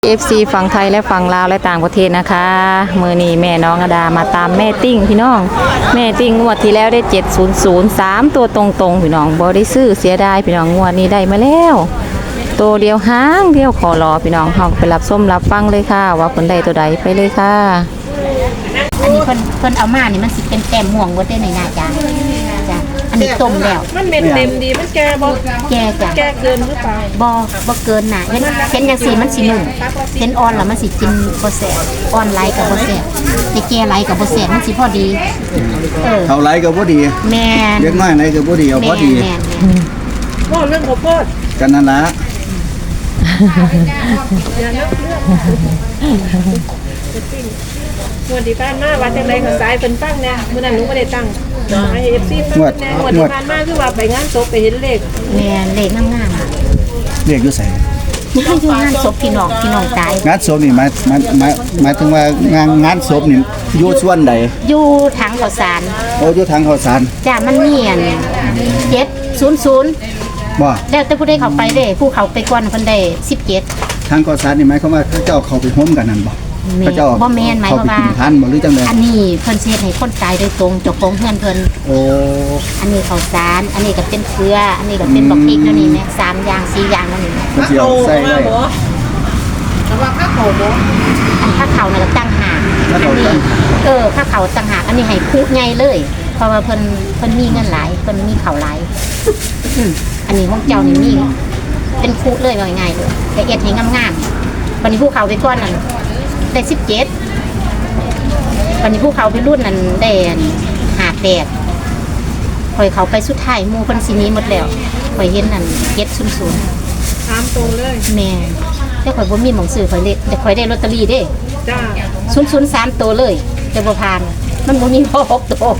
FC ฝั่งไทยและฝั่งลาวและต่างประเทศนะคะมือนี้แม่น้องอดามาตามแม่ติ้งพี่น้องแม่ติ้งงวดที่แล้วได้7003ตัวตรงๆพี่น้องบ่ได้ซื้อเสียดายพี่น้องงวดนี้ได้มาแล้วตัวเดียวหางเดียวขอรอพี่น้องเฮาไปรับส้มรับฟังเลยค่ะว่าเพิ่นได้ตัวใดไปเลยค่ะอันนี้เพิ่นเอามานี่มันสิเป็นแต้มม่วงบ่ได้ในหน้าจ้าจ้ะอันนี้ต้มแล้วมันเม็ดเต็มดีมันแก่บ่แก่จ้ะแก่เกินหรือเปล่าบ่เกินน่ะเห็นจังซี่มันสินุ่มเห็นอ่อนแล้วมันสิกินบ่แซ่บอ่อนไหลก็บ่แซ่บแต่แก่ไหลก็บ่แซ่บมันสิพอดีเขาไหลก็บ่ดีแม่นเล็กน้อยไหนก็บ่ดีเอาพอดีบ่เรื่องข้าวโพดกันนั่นล่ะอย่าเลือกงวดที่ผ่านมาว่าจังได๋ก็สายเพิ่นฟังแน่มื้อนั้นหนูบ่ได้ตั้งให้ FC ฟังแน่งวดที่ผ่านมาคือว่าไปงานศพไปเห็นเลขแม่นเลขงามเรียกอยู่ไสนี่คืออยู่งานศพพี่น้องตายงานศพนี่หมายถึงว่างานศพนี่อยู่ส่วนใดอยู่ถังข้าวสารโอ้อยู่ทางข้าวสารจ้ะมันมีอัน700 บ่แล้วแต่ผู้ใดเข้าไปเด้ผู้เขาไปก่อนเพิ่นได้17 ทางข้าวสารนี่หมายความว่าเขาเจ้าเข้าไปโฮมกันนั่นบ่เขาเจ้าบ่แม่นหมายความว่าทานบ่หรือจังได๋อันนี้เพิ่นสิเฮ็ดให้คนตายโดยตรงเจ้าของเฮือนเพิ่นโอ้อันนี้ข้าวสารอันนี้ก็เป็นเกลืออันนี้ก็เป็นบักพริกแล้วนี่แม่3อย่าง4อย่างแล้วนี่เพิ่นสิเอาใส่ไว้แต่ว่าข้าวเขาบ่อันข้าวเขาน่ะก็ตั้งหากอันนี้ข้าวเขาตั้งหากอันนี้ให้คุใหญ่เลยเพราะว่าเพิ่นมีเงินหลายเพิ่นมีข้าวหลายอันนี้ของเจ้านี่มีเป็นคุเลยว่าง่ายๆเลยแต่เอ็ดให้งามๆบัดนี้ผู้เขาไปก่อนนั่นได้17วันนี้ผู้เขาไปรุ่นนั้นได้58ข่อยเขาไปสุดท้ายหมู่เพิ่นสิหนีหมดแล้วข่อยเห็นนั่น700 3ตัวเลยแม่แต่ข่อยบ่มีหม้องซื้อข่อยเลยแต่ข่อยได้ลอตเตอรี่เด้จ้า 003ตัวเลยแต่บ่ผ่านมันบ่มีพอ6ตัว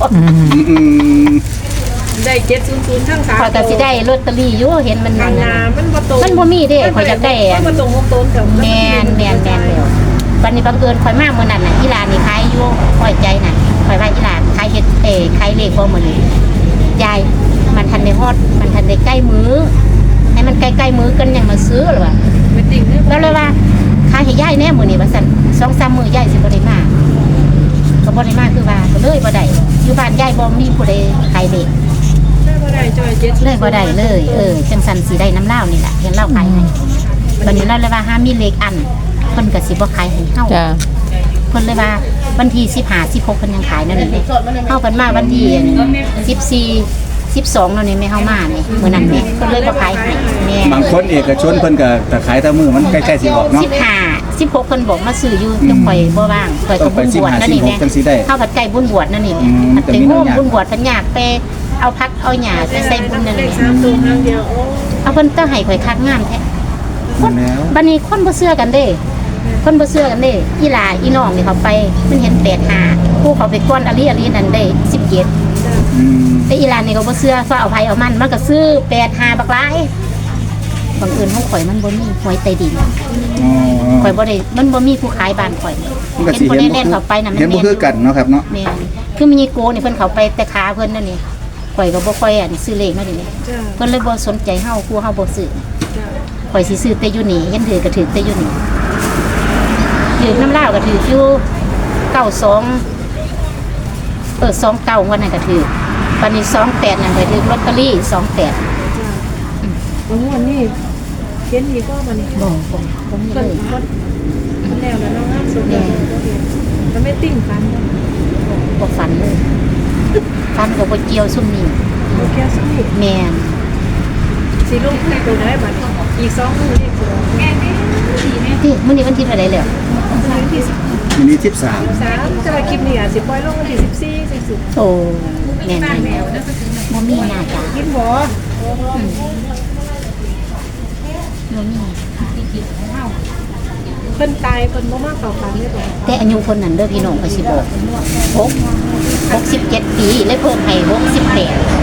ได้700ทั้ง3 ข่อยก็สิได้ลอตเตอรี่อยู่เห็นมันนั่นมันบ่มีเด้ข่อยอยากได้มันบ่ตรง6ตัวกับแม่นแล้ววันนี้บังเอิญข่อยมามื้อนั้นน่ะอีหลานนี่ขายอยู่ข่อยใจน่ะข่อยว่าอีหลานขายเฮ็ดขายเลขบ่มื้อนี้ยายมันทันได้ฮอดมันทันได้ใกล้มื้อให้มันใกล้ๆมื้อกันยังมาซื้อหรอวะไม่ติ่งแล้วเลยว่าขายให้ยายแน่มื้อนี้ว่าซั่น 2-3 มื้อยายสิบ่ได้มาก็บ่ได้มาคือว่าก็เลยบ่ได้อยู่บ้านยายบ่มีผู้ใดขายเลขบ่ได้จอย7 เลยบ่ได้เลยจังซั่นสิได้น้ำลาวนี่ล่ะเห็นลาวขายให้บัดนี้เราเลยว่าหามีเลขอันเพิ่นก็สิบ่ขายให้เฮาจ้ะเพิ่นเลยว่าวันที่15 16เพิ่นยังขายนั่นนี่เฮาเพิ่นมาวันที่14 12แล้วนี่แม่เฮามานี่มื้อนั้นแม่เพิ่นเลยบ่ขายให้แม่บางคนเอกชนเพิ่นก็ขายแต่มื้อมันใกล้ๆสิออกเนาะ 15 16เพิ่นบอกมาซื้ออยู่แต่ข่อยบ่ว่างข่อยก็บุญบวชนั่นนี่แม่เฮาผัดไก่บุญบวชนั่นนี่อันเป็นโฮมบุญบวชเพิ่นอยากไปเอาพักเอาหญ้าไปใส่บุญนั่นนี่ 3ตัวเดียวโอ้เอาเพิ่นต้องให้ข่อยคักงามแท้บัดนี้คนบ่เชื่อกันเด้อีหลาอีน้องนี่เขาไปมันเห็น85ผู้เขาไปก้อนอลีนั่นได้17แต่อีหลานนี่ก็บ่เชื่อฟ้าเอาไผเอามันก็ซื้อ85บักหลายบางเอิญของข่อยมันบ่มีหวยใต้ดินข่อยบ่ได้มันบ่มีผู้ขายบ้านข่อยเห็นบ่ได้เล่นเข้าไปน่ะมันเห็นบ่คือกันเนาะครับเนาะแม่นคือมีโกนี่เพิ่นเข้าไปแต่ขาเพิ่นนั่นนี่ข่อยก็บ่ค่อยซื้อเลขมาดิเพิ่นเลยบ่สนใจเฮาครูเฮาบ่ซื้อข่อยสิซื้อแต่อยู่นี่เห็นถือก็ถือแต่อยู่นี่ถือน้ำลาวก็ถืออยู่92 29วันนั้นก็ถือปันนี้28นั่นก็ถือลอตเตอรี่28 วันนี้เขียนอีกก็บัดนี้บ่มีเลยมันแล้วเนาะสุดแล้วมันไม่ติ่งฟันบ่ฝันเลยฝันก็บ่เกี่ยวซุ่มนี้บ่แค่ซุ่มนี้แม่นสิลงคือตัวได้บัดอีก2มื้อนี่แม่นี่ดีแม่ที่มื้อนี้วันที่เท่าใดแล้ววันที่วันนี้13 จะมาคลิปนี้สิปล่อยลงวันที่14สิโอ้แม่นบ่มีหน้าจ้ะกินบ่เพิ่นตายเพิ่นบ่มาเข้าฝันเลยบ่แต่อายุคนนั้นเด้อพี่น้องก็สิบอก67ปีเลยเพิ่มให้68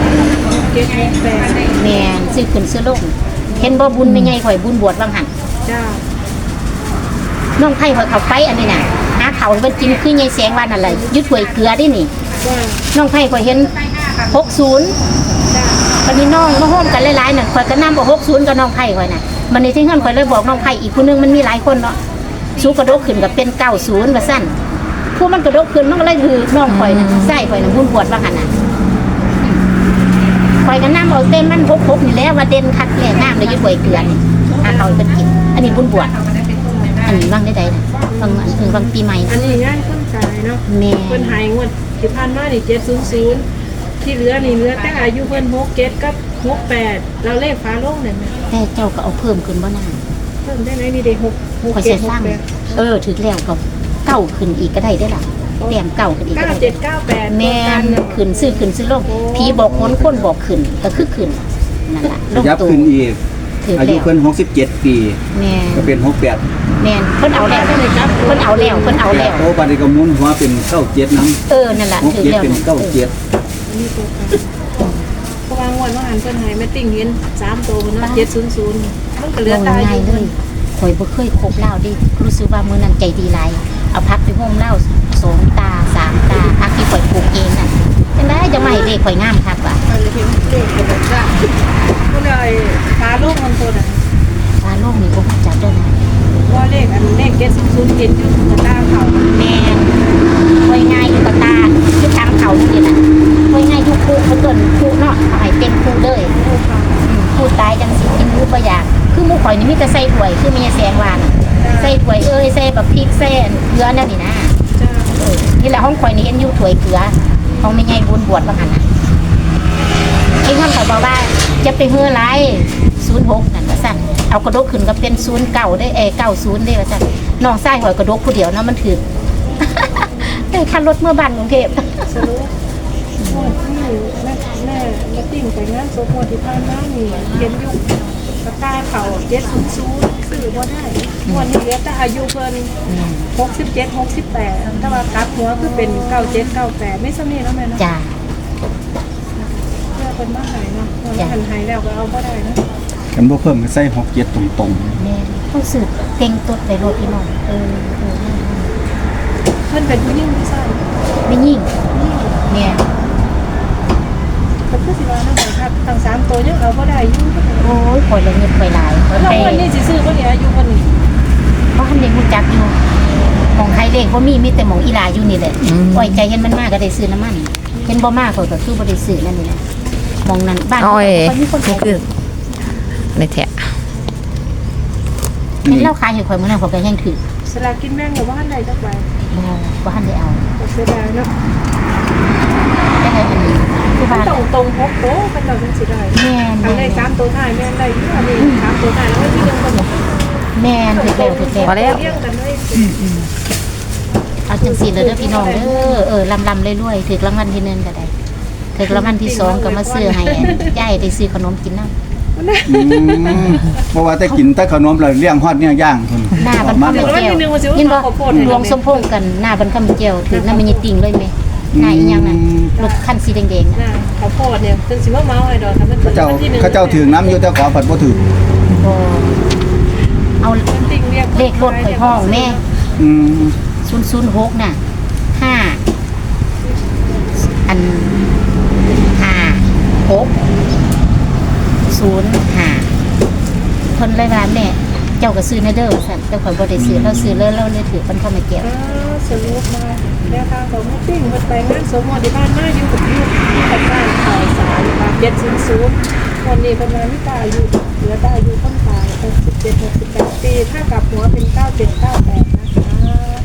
แม่นซื้อขึ้นซื้อลงเห็นบ่บุญแม่ใหญ่ข่อยบุญบวชบางหั่นจ้าน้องไผข่อยเข้าไปอันนี้น่ะหาข้าวเพิ่นกินคือใหญ่แสงว่านั่นแหละยึดถ้วยเกลือดินี่น้องไผข่อยเห็น60 จ้าวันนี้น้องมาโฮมกันหลายๆนั่นข่อยก็นำเอา60กับน้องไผข่อยน่ะบัดนี้ที่เฮือนข่อยเลยบอกน้องไผอีกผู้นึงมันมีหลายคนเนาะสู้กระโดดขึ้นก็เป็น90ว่าซั่นผู้มันกระโดดขึ้นมันก็เลยคือน้องข่อยน่ะใส่ข่อยน่ะบุญบวชว่าหั่นน่ะข่อยก็นำเอาเต้นมัน6นี่แหละว่าเด่นคักแก่น้ำเลยอยู่ถ้วยเกลือนี่เอาไปกินอันนี้บุญบวชอันนี้วางได้ๆน่ะวางอันวางปีใหม่อันนี้งานคนตายเนาะแม่เพิ่นหายงวดที่ผ่านมานี่700ที่เหลือนี่เหลือแต่อายุเพิ่น67กับ68เราเลขฟ้าโลงนั่นน่ะแต่เจ้าก็เอาเพิ่มขึ้นบ่นานเพิ่นได้ไหนนี่ได้6 ข่อยสิสร้างถึกแล้วก็เก้าขึ้นอีกก็ได้ได้ล่ะแต้มเก้าขึ้นอีกก็ได้ 9798 แม่นขึ้นซื้อลงผีบอกคนบอกขึ้นก็คือขึ้นนั่นล่ะลงยับตัวขึ้นอีกถืออายุแล้วเพิ่น67 ปีแม่นก็เป็น68 แม่นเพิ่นเอาแล้วเพิ่นเอาแล้วโอ้บัดนี้ก็หมุนหัวเป็น97นำนั่นล่ะถือแล้ว 67เป็นนะ 97 นี่ตัวกันเพราะว่างวดว่าหันเพิ่นให้แม่ติ้งเห็น3ตัวเนาะ700มันก็เหลือเอาตายอง่ายยู่เลยข่อยบ่เคยคบเหล้าดิรู้สึกว่ามื้อนั้นใจดีหลายเอาพักไปโฮมเหล้า2 ตา 3 ตาพักที่ข่อยปลูกเองน่ะจังได๋จะมาให้เลขข่อยงามคักว่ะมันเลยเห็นเลขก็บอกว่าก็เลยฟ้าโลงมันตัวน่ะว่าโลกนี้บ่รู้จักเด้อนะว่าเลขเลข700เห็นอยู่กับตาเขาแม่นข่อยง่ายอยู่กับตาคือทางเขานี่น่ะข่อยง่ายอยู่คู่เพิ่นคู่เนาะเอาให้เต็มคู่เลยคู่ตายจังสิกินรู้บ่อยากคือหมู่ข่อยนี่มีแต่ใส่ถ้วยคือมีแสงว่าน่ะใส่ถ้วยใส่แบบพริกใส่เกลือนั่นนี่นะจ้านี่แหละห้องข่อยนี่เห็นอยู่ถ้วยเกลือห้องแม่ใหญ่บุญบวชว่าหั่นน่ะไอ้ท่านเขาบอกว่าจะไปเฮือไร06นั่นว่าซั่นเอากระดกขึ้นก็เป็น09ได้90ได้ว่าซั่นน้องชายข่อยกระดกผู้เดียวเนาะมันถือ ได้คันรถเมื่อบ้านกรุงเทพสรุปงวดที่แม่ติ้งไปงานศพงวดที่ผ่านมานี่เห็นอยู่กับตาเขา700ซื้อบ่ได้งวดนี้เหลือแต่อายุเพิ่น67 68ถ้าว่ากลับหัวคือเป็น97 98ไม่ซ้ำนี่แล้วแม่เนาะจ้าเพื่อเป็นบ้านไหนเนาะพอหันหายแล้วก็เอาก็ได้นะกันบ่เพิ่มก็ใส่67ตรงแม่ต้องสืบเต็งตดไปรถพี่น้องเพื่อนเป็นผู้หญิงผู้ชายไม่ยิ่งแม่ก็คือสิว่าน้ำครับทั้ง3ตัวยังเอาก็ได้อยู่โอ้ยข่อยละเงินข่อยหลายข่อยแล้วไปวันนี้สิซื้อคนนี้อายุคนนี้เพราะคันเด็กรู้จักอยู่หมองใครเด็กบ่มีแต่หมองอีหลาอยู่นี่แหละปล่อยใจเห็นมันมากก็ได้ซื้อน้ำมันเห็นบ่มากข่อยก็คือบ่ได้ซื้อนั่นนี่นะหมองนั้นบ้านอ้อยข่อยมีคนนี่ขายคือในแถะๆเห็นเราขายให้ข่อยมื้อนั้นข่อยก็ยังถือสลากกินแบ่งกับว่าไหนจักใบบ่ทันได้เอาก็เสียดายเนาะได้อันนี้คือว่าตรง6โตกันเราจังสิได้แม่นทางได้3ตัวท้ายแม่นได้อยู่อันนี้3ตัวท้ายแล้วที่นึงก็บอกแม่นถือแล้วพอแล้วเลี้ยงกันเลยเอาจังซี่เลยเด้อพี่น้องเด้อลำรวยๆถือรางวัลที่1ก็ได้ถือรางวัลที่2ก็มาซื้อให้ยายได้ซื้อขนมกินนำเพราะว่าแต่กินแต่ขนมแล้วเลี้ยงฮอดเนี่ยย่างพุ่นหน้าบันมาคำกเจียวยินบ่รวมสมพงษ์กันหน้าบันคำเจียวถือน้ำมันยติ่งเลยไหมหน้าอีหยังน่ะรถคันสีแดงๆน่ะน่ะเขาโพดเนี่ยเป็นสิว่าเมาไอ้ดอกค่ะมันเขาเจ้าถือน้ำอยู่แต่ขอผัดบ่ถือบ่เอาติ่งเรียกเลขรถข่อยห้องแม่อืม 006น่ะ5อัน5 6 0 5เพิ่นเลยว่าแม่เจ้าก็ซื้อในเด้อว่าซั่นแต่ข่อยบ่ได้ซื้อเราซื้อเลยเราเลยถือมันเข้ามาเกี่ยวสรุปมาแล้วทางของแม่ติ้งมันไปงานสมมติบ้านมาอยู่กับลูกที่กับบ้านข่าวสารมา700คนนี้ประมาณไม่ตายอายุเหลือตายอายุต้องตาย67 68ปีถ้ากลับหัวเป็น97 98นะคะ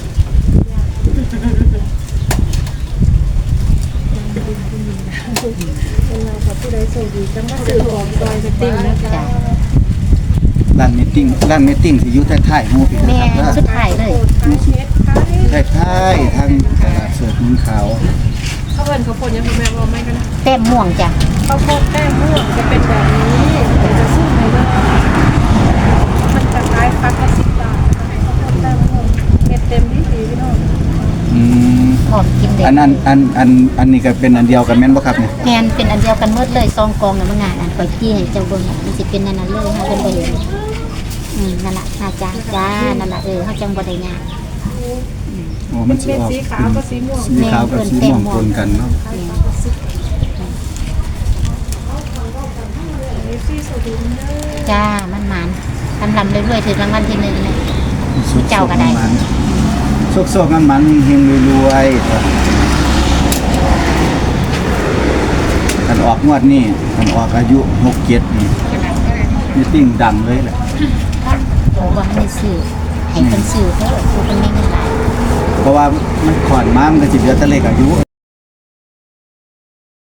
เป็นเรากับผู้ใดโชคดีจังว่าสื่อของซอยแม่ติ้งนะคะร้านเมตติ้งสิอยู่ท้ายๆหมู่พี่แม่นะครับสุดท้ายเลยท้ายๆทางตลาดสดเมืองขาวเขาเอิ้นเขาวโพดยังคุณแม่ว่าไม่กันนะแต้มม่วงจ้ะข้าวโพดแป้งม่วงจะเป็นแบบนี้เดี๋ยวจะสู้ในเรื่องมันจะคล้ายฟักละ10 บาทนะคะข้าวโพดแป้งม่วงเม็ดเต็มที่ดีพี่น้องอืมพร้อมกินเด็กอันนี้ก็เป็นอันเดียวกันแม่นบ่ครับเนี่ยแมนเป็นอันเดียวกันหมดเลยซองกองน่ะมันงานอันข่อยจี้ให้เจ้าเบิ่งน่ะมันสิเป็นนั่นน่ะเลยเฮาเพิ่นบ่เห็นนั่นล่ะน่าจ้านั่นล่ะเฮาจังบ่ได้ยากโอ้มันสิเป็นออกสีขาวกับสีม่วงสีขาวกับสีม่วงปนกันเนาะสีสุดเด้อจ้ามันหมานลำๆเรื่อยๆถึงรางวัลที่1เลยอืเจ้าก็ได้โชคๆมันเฮงๆรวยๆกันออกงวดนี้กันออกอายุ67นี่มีติ้งดังเลยแหละผมว่าให้ซื้อให้เพิ่นซื้อเถอะผู้เพิ่นมีเงินหลายเพราะว่ามันขอนมามันก็สิเหลือแต่เลขอายุ